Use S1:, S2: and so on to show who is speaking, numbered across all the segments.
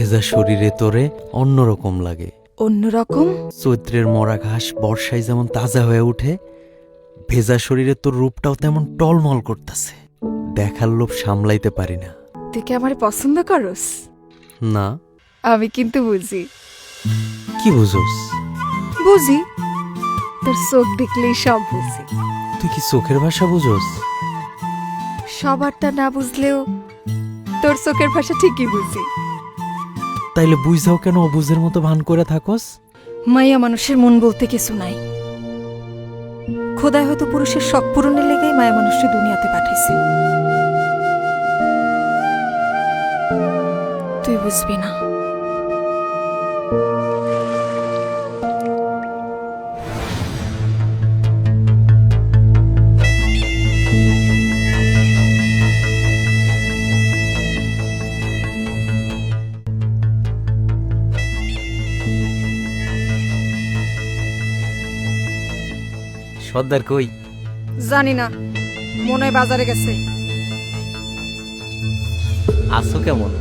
S1: ভেজা শরীরে তোরে অন্যরকম লাগে।
S2: অন্যরকম?
S1: চৈত্রের মরা ঘাস বর্ষায় যেমন তাজা হয়ে উঠে, ভেজা শরীরে তোর রূপটাও তেমন টলমল করতেছে। দেখার লোভ সামলাইতে পারি না।
S2: তুই কি আমার পছন্দ করস?
S1: না।
S2: আমি কিন্তু বুঝি।
S1: কি বুঝোস?
S2: বুঝি, তোর চোখ দেখলেই সব বুঝি।
S1: তুই কি চোখের ভাষা বুঝোস?
S2: সবারটা না বুঝলেও তোর চোখের ভাষা ঠিকই বুঝি।
S1: তাইলে বুঝাও কেন অবুঝের মতো ভান করে থাকস?
S2: মাইয়া মানুষের মন বলতে কিছু নাই। খোদায় হয়তো পুরুষের শখ পূরণের লেগেই মায়া মানুষকে দুনিয়াতে পাঠাইছে। তুই বুঝবি না।
S1: সর্দার কই?
S2: জানি না, মনে হয় বাজারে গেছে।
S1: আছো কেমন?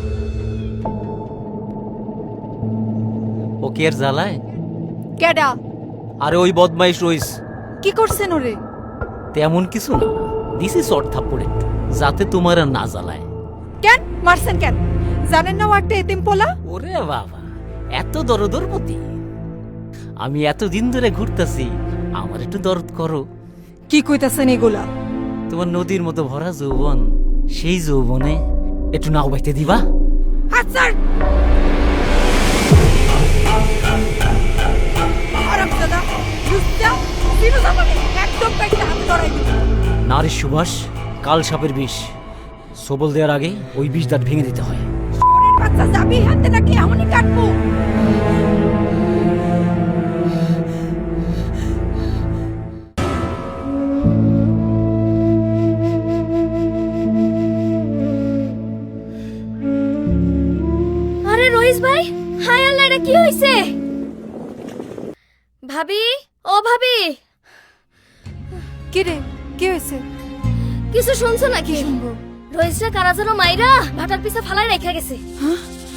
S1: ও কি আর জ্বালায়?
S2: কেডা?
S1: আরে ওই বদমাইশ রইস।
S2: কি করছেন ওরে?
S3: তেমন কিছু না, দিছি চট থাপ্পড় একটু, যাতে তোমার আর না জ্বালায়।
S2: কেন মারছেন কেন? জানেন না ও একটা এতিম পোলা?
S3: ওরে বাবা, এত দরদরপতি! আমি এতদিন ধরে ঘুরতাছি, আমার একটু দরদ করো।
S2: কি কইতাছেন এগুলা?
S3: তোমার নদীর মতো ভরা যৌবন, সেই যৌবনে একটু নাও বাইতে দিবা?
S2: হাত ছাড়! আরামজাদা, লুচ্চা, বিনু জামানে একদম কাইটা হাতে ধরাই দিবি।
S3: নারীর সুবাস কাল সাপের বিষ, সবল দেওয়ার আগে ওই বিষ দাঁত ভেঙে দিতে হয়।
S2: শহরের বাচ্চা যাবি হাতে নাকি এমনই কাটবো?
S4: আরে রইস ভাই, হায় আল্লাহ, এটা কি হইছে? ভাবি, ও ভাবি,
S2: কি রে, কি হয়েছে?
S4: কিছু শুনছো নাকি?
S2: শুনবো।
S4: রইসরা কারা যেন মাইরা ভাটার পিছে ফালাই রেখে গেছে।
S2: হ্যাঁ?